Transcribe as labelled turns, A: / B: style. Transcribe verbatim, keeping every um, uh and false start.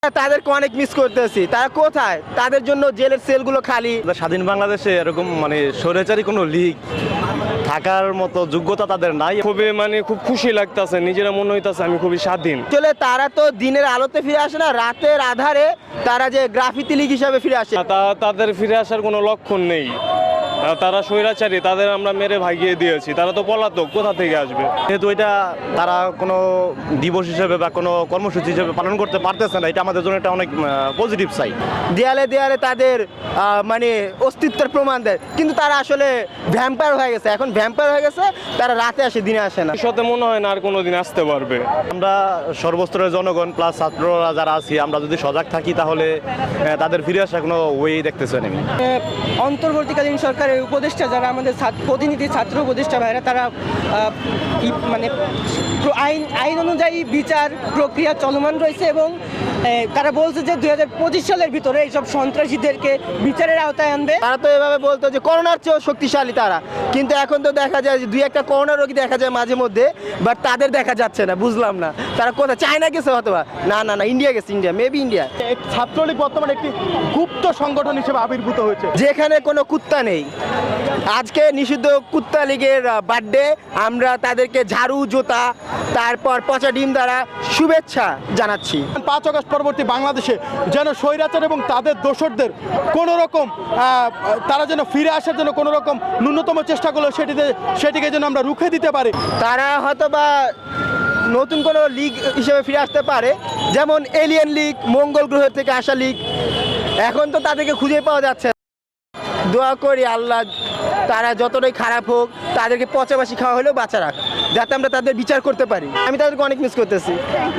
A: তাদেরকে অনেক মিস করতেছি। তারা কোথায়? তাদের জন্য জেলের সেলগুলো খালি।
B: স্বাধীন বাংলাদেশে এরকম মানে স্বৈরাচারী কোনো লীগ থাকার মতো যোগ্যতা তাদের নাই।
C: খুবই মানে খুব খুশি লাগতেছে, নিজেরা মনে হইতাছে আমি খুবই স্বাধীন।
A: আসলে তারা তো দিনের আলোতে ফিরে আসে না, রাতের আধারে তারা যে গ্রাফিতি লীগ হিসাবে ফিরে আসে।
C: তা তাদের ফিরে আসার কোনো লক্ষণ নেই। আহ, তারা স্বৈরাচারী, তাদের আমরা মেরে ভাগিয়ে দিয়েছি, তারা তো পলাতক, কোথা থেকে আসবে?
B: যেহেতু এটা তারা কোনো দিবস হিসেবে বা কোনো কর্মসূচি হিসেবে পালন করতে পারতেছে না, এটা আমাদের জন্য একটা অনেক পজিটিভ সাইড।
A: দেয়ালে দেয়ালে তাদের আহ, মানে অস্তিত্বের প্রমাণ দেয়, কিন্তু তারা আসলে ভ্যাম্পায়ার হয়ে গেছে। এখন ভ্যাম্পায়ার হয়ে গেছে, তারা রাতে আসে, দিনে আসে না।
C: ভবিষ্যতে মনে হয় না আর কোনোদিন আসতে পারবে।
B: আমরা সর্বস্তরের জনগণ প্লাস ছাত্ররা যারা আছি, আমরা যদি সজাগ থাকি তাহলে আহ, তাদের ফিরে আসার কোনো ওয়ে দেখতেছে না।
D: অন্তর্বর্তীকালীন সরকারের উপদেষ্টা যারা আমাদের ছাত্র- প্রতিনিধি ছাত্র উপদেষ্টা ভাইরা তারা আহ, ই- মানে প্র- আইন আইন অনুযায়ী বিচার প্রক্রিয়া চলমান রয়েছে এবং আহ, তারা বলছে যে দুই হাজার পঁচিশ সালের ভিতরে এইসব সন্ত্রাসীদেরকে বিচারের আওতায় আনবে।
A: তারা তো এভাবে বলতো যে করোনার চেয়েও শক্তিশালী তারা, কিন্তু এখন তো দেখা যায় যে দুই একটা করোনা রোগী দেখা যায় মাঝে মধ্যে, বাট তাদের দেখা যাচ্ছে না। বুঝলাম না তারা কোথায়, চায়না গেছে অথবা না না না ইন্ডিয়া গেছে, ইন্ডিয়া মেবি ইন্ডিয়া।
E: ছাত্রলীগ বর্তমানে একটি গুপ্ত সংগঠন হিসেবে আবির্ভূত হয়েছে।
A: যেখানে কোনো কুত্তা নেই। আজকে নিষিদ্ধ কুত্তা লীগের বার্থডে, আমরা তাদেরকে ঝাড়ু, জুতা, তারপর পচা ডিম দ্বারা শুভেচ্ছা জানাচ্ছি।
E: পাঁচ আগস্ট পরবর্তী বাংলাদেশে যেন স্বৈরাচার এবং তাদের দোসরদের কোনো রকম আহ, তারা যেন ফিরে আসার জন্য কোনো রকম ন্যূনতম চেষ্টা করলো সেটিতে সেটিকে যেন আমরা রুখে দিতে পারি।
A: তারা হয়তো বা নতুন কোনো লীগ হিসেবে ফিরে আসতে পারে, যেমন এলিয়েন লীগ, মঙ্গল গ্রহ থেকে আসা লীগ। এখন তো তাদেরকে খুঁজে পাওয়া যাচ্ছে না। দোয়া করি আল্লাহ তারা যতটাই খারাপ হোক, তাদেরকে পচাবাসি খাওয়া হলেও বাঁচা রাখ, যাতে আমরা তাদের বিচার করতে পারি। আমি তাদেরকে অনেক মিস করতেছি।